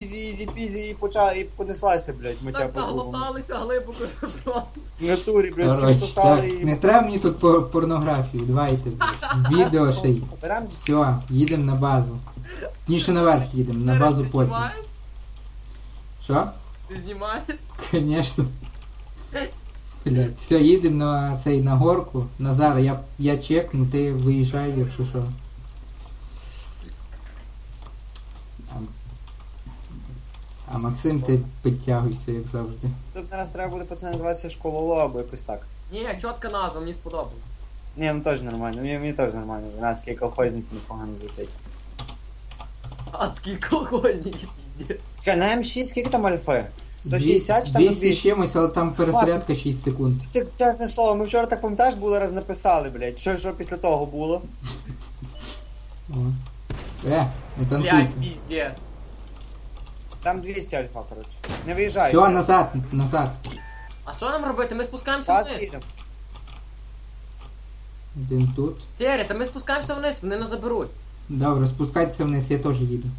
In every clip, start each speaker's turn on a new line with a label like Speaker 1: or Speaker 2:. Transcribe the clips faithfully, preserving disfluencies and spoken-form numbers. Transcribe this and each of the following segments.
Speaker 1: ізі, ізі, пізі, і почала, і понеслася, блядь, миття
Speaker 2: Так
Speaker 1: по-другому.
Speaker 2: наглоталися глибоко просто.
Speaker 1: В натурі, блядь, всі
Speaker 3: Коротше,
Speaker 1: сосали
Speaker 3: так,
Speaker 1: і...
Speaker 3: не треба мені тут пор- порнографію, давайте, блядь. Відео ще й.
Speaker 1: Берем?
Speaker 3: Все, їдемо на базу. Ніше наверх їдемо, на базу
Speaker 2: Ти
Speaker 3: потім.
Speaker 2: знімаєш?
Speaker 3: Що?
Speaker 2: Ти знімаєш?
Speaker 3: Конечно. Блядь, все, їдемо на цей, на горку. Назар, я, я чекну, ти виїжджай, якщо що. А, а Максим, ти підтягуйся, як завжди.
Speaker 1: Тут раз треба буде, пацани, називатися школоло або якось так.
Speaker 2: Ні, чітка назва, мені сподобалось.
Speaker 1: Ні, ну теж нормально, мені, мені теж нормально. Венецький колхозник непогано звучить.
Speaker 2: Адський колхозник, піздець.
Speaker 1: Чекай, на М шість скільки там альфи? сто шістдесят чи там
Speaker 3: двісті з
Speaker 1: двісті?
Speaker 3: чимось, але там перезарядка шість секунд.
Speaker 1: Ти, чесне слово, ми вчора так пам'ятаєш, було раз написали, блядь. Що, що після того було?
Speaker 3: О. Е, не
Speaker 2: Блядь,
Speaker 3: танкуйте.
Speaker 2: піздець.
Speaker 1: Там двісті альфа, коротше. Не виїжджай.
Speaker 3: Все, назад, назад.
Speaker 2: А що нам робити? Ми спускаємося
Speaker 1: Вас
Speaker 2: вниз.
Speaker 1: їдемо.
Speaker 3: Один тут.
Speaker 2: Сері, та ми спускаємося вниз, вони нас заберуть.
Speaker 3: Добре, спускайтеся вниз, я теж їду.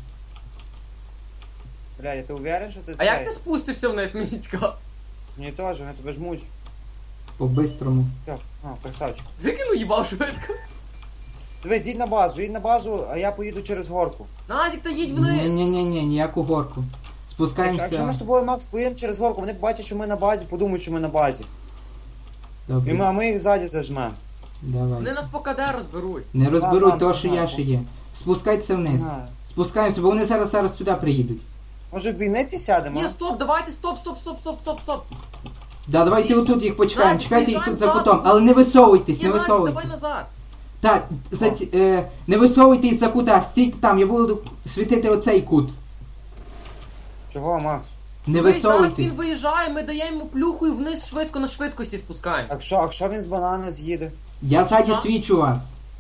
Speaker 1: Блядь, ти уверен, що ти
Speaker 2: А
Speaker 1: цей?
Speaker 2: як ти спустишся вниз, мені цікаво?
Speaker 1: Мені теж, вони тебе жмуть.
Speaker 3: По-бистрому.
Speaker 1: Все, а, красавчик.
Speaker 2: Викину їбав швидко.
Speaker 1: Дивись, їдь на базу, їдь на базу, а я поїду через горку.
Speaker 2: Назік, та їдь вниз.
Speaker 3: Ні-ні-ні, ніяку горку.
Speaker 1: Якщо, якщо ми з
Speaker 3: Спускаємося.
Speaker 1: тобою, Макс, поїдемо через горку, вони побачать, що ми на базі, подумають, що ми на базі. І ми,
Speaker 3: Добре,
Speaker 1: а ми їх ззаді зажмемо.
Speaker 2: Вони
Speaker 3: давай.
Speaker 2: нас по КД розберуть.
Speaker 3: Не розберуть
Speaker 1: Ладно,
Speaker 3: того, що я
Speaker 1: ладно.
Speaker 3: ще є. Спускайтеся вниз.
Speaker 1: Знаю.
Speaker 3: Спускаємося, бо вони зараз зараз сюди приїдуть.
Speaker 1: Може в бійниці сядемо?
Speaker 2: Ні,
Speaker 1: а?
Speaker 2: стоп, давайте, стоп, стоп, стоп, стоп, стоп, стоп.
Speaker 3: Да, давайте
Speaker 2: Вічно.
Speaker 3: отут їх почекаємо.
Speaker 2: Назік,
Speaker 3: Чекайте їх тут за
Speaker 2: виїжджаємо
Speaker 3: кутом.
Speaker 2: назад.
Speaker 3: Але не висовуйтесь,
Speaker 2: Ні,
Speaker 3: не
Speaker 2: Назік, давай
Speaker 3: висовуйтесь.
Speaker 2: назад.
Speaker 3: Так, за ці- е, не висовуйтесь за кута, стійте там, я буду світити оцей кут.
Speaker 1: Чого, Макс?
Speaker 3: Не
Speaker 2: Дивись, зараз
Speaker 3: висовуйтесь.
Speaker 2: він виїжджає, ми даємо йому плюху і вниз швидко на швидкості спускаємо.
Speaker 1: А що, а що він з банана з'їде?
Speaker 3: Я ззаді
Speaker 2: Що?
Speaker 3: свічу вас.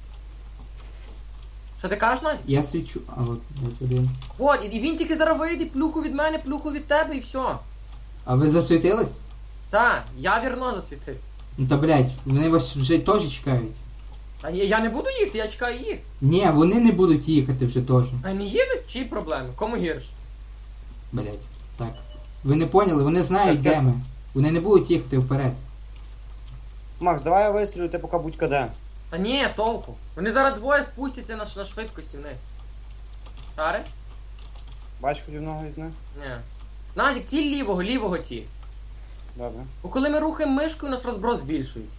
Speaker 2: Що ти кажеш, Назік?
Speaker 3: Я свічу. А от, от один.
Speaker 2: От, і він тільки зараз вийде, плюху від мене, плюху від тебе і все.
Speaker 3: А ви засвітились?
Speaker 2: Так, я вірно засвітив.
Speaker 3: Ну та блять, вони вас вже теж чекають.
Speaker 2: А я, я не буду їхати, я чекаю їх.
Speaker 3: Ні, вони не будуть їхати вже теж.
Speaker 2: А не їдуть? Чиї проблеми? Кому гірше?
Speaker 3: Блять. Так. Ви не поняли, вони знають,
Speaker 1: Так,
Speaker 3: де ми. Вони не будуть їхати вперед.
Speaker 1: Макс, давай я вистрілю, ти поки будь каде.
Speaker 2: Та ні, толку. Вони зараз двоє спустяться на, ш- на швидкості вниз. Шари?
Speaker 1: Бач хоч одного із них?
Speaker 2: Ні. Назік, ціль лівого, лівого ті.
Speaker 1: Добре.
Speaker 2: Бо коли ми рухаємо мишкою, у нас розброс збільшується.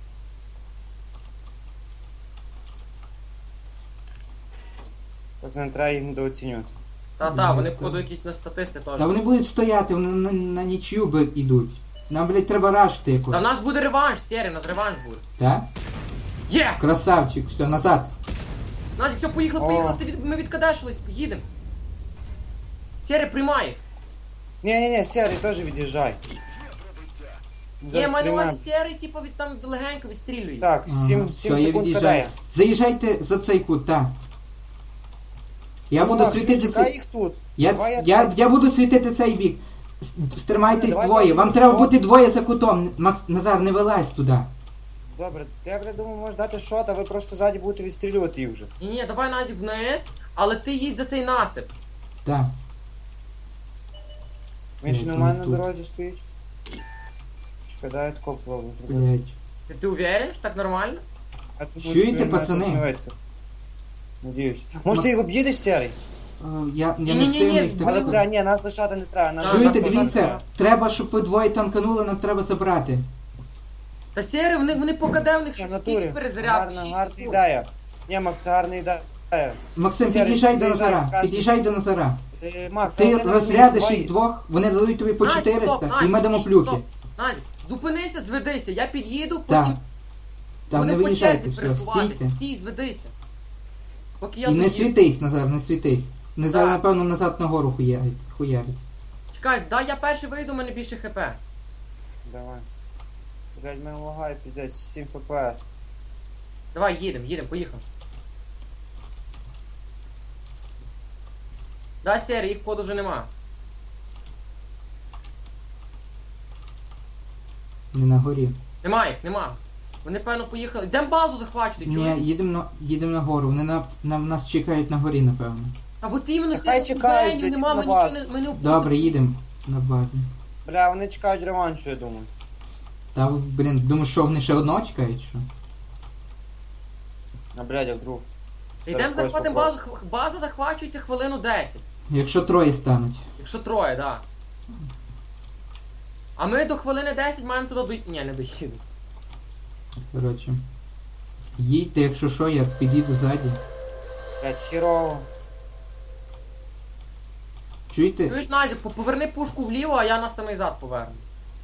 Speaker 1: Просто не треба їх недооцінювати.
Speaker 2: Та-та,
Speaker 3: Ні,
Speaker 2: вони
Speaker 3: та-
Speaker 2: входу якісь на статисти теж.
Speaker 3: Та вони будуть стояти, вони на, на нічию би йдуть. Нам, блять, треба рашити
Speaker 2: Та в
Speaker 3: якось.
Speaker 2: нас буде реванш, Сері, у нас реванш буде.
Speaker 3: Так?
Speaker 2: Є!
Speaker 3: Красавчик, все, назад.
Speaker 2: Назік, все, поїхали,
Speaker 1: О.
Speaker 2: поїхали, ти від... ми відкадешились, поїдемо. Сері, приймай.
Speaker 1: Ні-ні-ні, Сері, теж від'їжджай.
Speaker 2: Є,
Speaker 1: Зараз
Speaker 2: маю на увазі
Speaker 1: приймемо.
Speaker 2: Сері, типу, від там легенько відстрілює.
Speaker 1: Так,
Speaker 3: Ага,
Speaker 1: сім
Speaker 3: все,
Speaker 1: сім
Speaker 3: я
Speaker 1: секунд
Speaker 3: від'їжджаю.
Speaker 1: кадає.
Speaker 3: Заїжджайте за цей кут, так. Я буду
Speaker 1: Макс,
Speaker 3: світити
Speaker 1: чекай
Speaker 3: цей.
Speaker 1: їх тут.
Speaker 3: Я,
Speaker 1: Давай я
Speaker 3: я,
Speaker 1: це-
Speaker 3: я буду світити цей бік. С- Стримайтесь
Speaker 1: Давай,
Speaker 3: двоє.
Speaker 1: давай,
Speaker 3: Вам
Speaker 1: ну
Speaker 3: треба
Speaker 1: що?
Speaker 3: бути двоє за кутом. Макс, Назар, не вилазь туди.
Speaker 1: Добре, я бля, думаю, можеш дати шот, а ви просто ззаді будете відстрілювати їх вже.
Speaker 2: Ні, ні, давай Назік вниз, але ти їдь за цей насип.
Speaker 3: Так.
Speaker 1: Він ще
Speaker 3: Ну,
Speaker 1: не в мене на
Speaker 3: тут.
Speaker 1: дорозі стоїть. Шкода, тако пробую.
Speaker 3: Блять.
Speaker 2: Ти, ти уверен, що так нормально?
Speaker 1: А тут
Speaker 3: Чуєте,
Speaker 1: він мене
Speaker 3: пацани?
Speaker 1: тут не вийде. Надіюсь. Може ти їх об'їдеш, Серий?
Speaker 3: Я, я не
Speaker 2: Ні-ні-ні,
Speaker 3: встигну їх
Speaker 2: але,
Speaker 3: так
Speaker 1: Але,
Speaker 3: сказати.
Speaker 1: бля, ні, нас лишати не треба. Нас
Speaker 3: Чуєте,
Speaker 1: нас
Speaker 3: дивіться,
Speaker 1: лишати
Speaker 3: треба, щоб ви двоє танканули, нам треба забрати.
Speaker 2: Та Сері, вони, вони по КД, в них
Speaker 1: не
Speaker 2: щось
Speaker 1: треба. В
Speaker 2: скільки
Speaker 1: натурі.
Speaker 2: перезарядки,
Speaker 1: Гарна,
Speaker 2: шість
Speaker 1: гарна
Speaker 2: секунд.
Speaker 1: ідея. Ні, Макс, це гарна ідея.
Speaker 3: Максим,
Speaker 1: Сергій,
Speaker 3: під'їжджай до
Speaker 1: заїжджай,
Speaker 3: Назара.
Speaker 1: скажеш.
Speaker 3: Під'їжджай до Назара.
Speaker 1: Е, Макс,
Speaker 3: Ти
Speaker 1: але не
Speaker 3: розрядиш
Speaker 1: розумієш,
Speaker 3: їх двох, вони дадуть тобі по
Speaker 2: Назік, стоп,
Speaker 3: чотириста, і
Speaker 2: Назік,
Speaker 3: ми дамо
Speaker 2: стій,
Speaker 3: плюхи.
Speaker 2: стоп. Назік, зупинися, зведися, я під'їду,
Speaker 3: Так.
Speaker 2: потім
Speaker 3: Там
Speaker 2: вони
Speaker 3: не
Speaker 2: по
Speaker 3: виїжджайте,
Speaker 2: черзі
Speaker 3: все,
Speaker 2: пересувати.
Speaker 3: стійте.
Speaker 2: Стій, зведися. Поки я
Speaker 3: І не
Speaker 2: доїду.
Speaker 3: світись, Назар, не світись. Не зараз,
Speaker 2: Так.
Speaker 3: напевно, назад нагору хуярить. хуярить.
Speaker 2: Чекай, дай я перший вийду, у мене більше хп.
Speaker 1: Давай. Блядь, мене лагає, піздець, сім еф пі ес.
Speaker 2: Давай, їдемо, їдемо, поїхав. Да, Сері, їх поду вже нема.
Speaker 3: Не на горі.
Speaker 2: Нема їх, нема. Вони, певно, поїхали. Йдемо базу захвачувати,
Speaker 3: Ні,
Speaker 2: чуєш?
Speaker 3: їдемо на, їдемо на гору. Вони на, на нас чекають на горі, напевно.
Speaker 2: А от іменно
Speaker 1: Та хай
Speaker 2: сидять
Speaker 1: чекають,
Speaker 2: беню,
Speaker 1: блядь,
Speaker 2: нема,
Speaker 1: на
Speaker 2: ми нічого
Speaker 1: базу.
Speaker 2: не, ми не впустимо.
Speaker 3: Добре, їдемо на базу.
Speaker 1: Бля, вони чекають реваншу, я думаю.
Speaker 3: Та, блін, думаю, що вони ще одного чекають, що?
Speaker 1: А блядь, а вдруг.
Speaker 2: Йдемо
Speaker 1: Зараз когось
Speaker 2: захватимо
Speaker 1: попрошу.
Speaker 2: базу, х- база захвачується хвилину десять.
Speaker 3: Якщо троє стануть.
Speaker 2: Якщо троє, да. А ми до хвилини десять маємо туди дойти. Ні, не доїду.
Speaker 3: Коротше. Їдьте, якщо що, я підійду ззаді.
Speaker 1: Блядь, хірово.
Speaker 3: Чуєте?
Speaker 2: Чуєш, Назік, по- поверни пушку вліво, а я на самий зад поверну.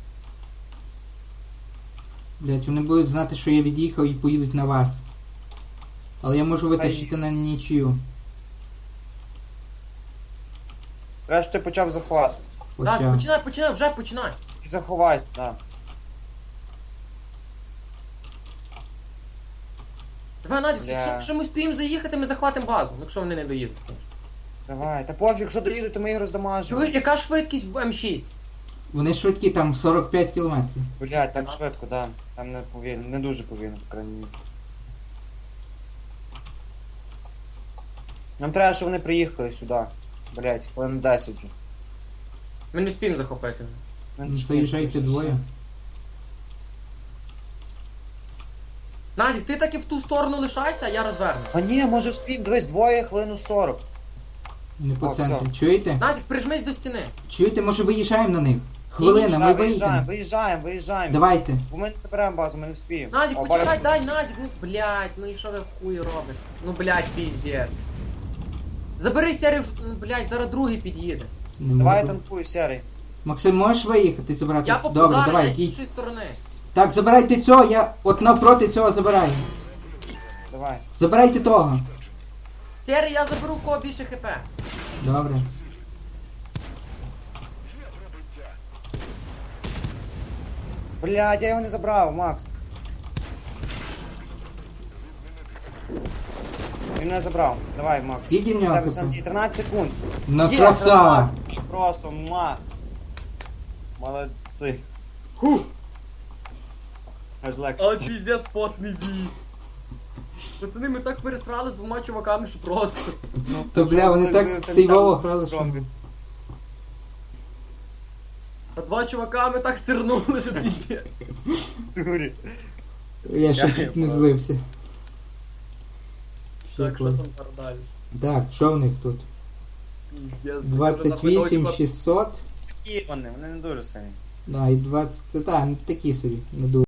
Speaker 3: Блять, вони будуть знати, що я від'їхав і поїдуть на вас. Але я можу витащити на нічию.
Speaker 1: Треба, що ти почав захват.
Speaker 2: Так,
Speaker 3: Почав.
Speaker 2: починай, починай, вже починай.
Speaker 1: І заховайся, да.
Speaker 2: Давай, Назік,
Speaker 1: Бля.
Speaker 2: якщо, якщо ми спіємо заїхати, ми захватимо базу, ну, якщо вони не доїдуть.
Speaker 1: Давай. Та пофіг, якщо доїдуть, то ми їх роздамажимо.
Speaker 2: Чуєш, яка швидкість в М шість?
Speaker 3: Вони швидкі, там сорок п'ять кілометрів.
Speaker 1: Блядь, там швидко, да. Там не повільно, не дуже повільно, по крайній мірі. Нам треба, щоб вони приїхали сюди. Блядь, хвилин десять вже.
Speaker 2: Ми не спіємо захопити.
Speaker 1: Ми
Speaker 3: Заїжджайте двоє.
Speaker 2: Назік, ти так і в ту сторону лишайся, а я розверну.
Speaker 1: А ні, може вспім, дивись, двоє хвилину сорок.
Speaker 3: Не по
Speaker 1: О,
Speaker 3: центру.
Speaker 1: все.
Speaker 3: Чуєте?
Speaker 2: Назік, прижмись до стіни.
Speaker 3: Чуєте, може виїжджаємо на них? Хвилина,
Speaker 1: Да,
Speaker 3: ми
Speaker 1: виїжджаємо,
Speaker 3: виїдемо.
Speaker 1: виїжджаємо, виїжджаємо.
Speaker 3: Давайте.
Speaker 1: Бо ми не заберемо базу, ми не вспіємо.
Speaker 2: Назік,
Speaker 1: О,
Speaker 2: почекай,
Speaker 1: бачиш?
Speaker 2: дай, Назік, ну блядь, ну і що ви хуй робите? Ну блядь, піздець. Забери серію, ну, блядь, зараз другий під'їде.
Speaker 3: Не
Speaker 1: Давай
Speaker 3: можу.
Speaker 1: танкуй, серий.
Speaker 3: Максим, можеш виїхати забрати?
Speaker 2: Я по
Speaker 3: Добре,
Speaker 2: зараз
Speaker 3: давай,
Speaker 2: я з
Speaker 3: їдь.
Speaker 2: іншої сторони.
Speaker 3: Так, забирайте цього, я от навпроти цього забираю.
Speaker 1: Давай.
Speaker 3: Забирайте того.
Speaker 2: Серій, я заберу в кого більше хп.
Speaker 3: Добре.
Speaker 1: Блядь, я його не забрав, Макс. Він мене забрав. Давай, Макс.
Speaker 3: Скільки в нього
Speaker 1: Тебе
Speaker 3: хп?
Speaker 1: Санті, тринадцять секунд.
Speaker 3: Ну
Speaker 1: Є,
Speaker 3: красава.
Speaker 1: красавчик. Просто муа. Молодці. Фух. Аж легше.
Speaker 2: Але піздець потний бій. Пацани, ми так пересрали з двома чуваками, що просто.
Speaker 1: Ну,
Speaker 3: То, бля, вони
Speaker 1: це
Speaker 3: так
Speaker 1: ви тим
Speaker 3: сейвово
Speaker 1: самим
Speaker 3: грали, що-
Speaker 1: скромні.
Speaker 2: А два чувака ми так сирнули, що піздець.
Speaker 1: Дурі.
Speaker 3: Я ще
Speaker 1: Я
Speaker 3: чуть не
Speaker 1: понял.
Speaker 3: злився. Ще
Speaker 2: Так, що
Speaker 3: клас.
Speaker 2: там далі?
Speaker 3: Так, що в них тут?
Speaker 2: Піздець.
Speaker 3: двадцять вісім шістсот.
Speaker 1: Такі вони, вони не дуже сильні.
Speaker 3: Да, і двадцять. Це так, такі собі, не дуже.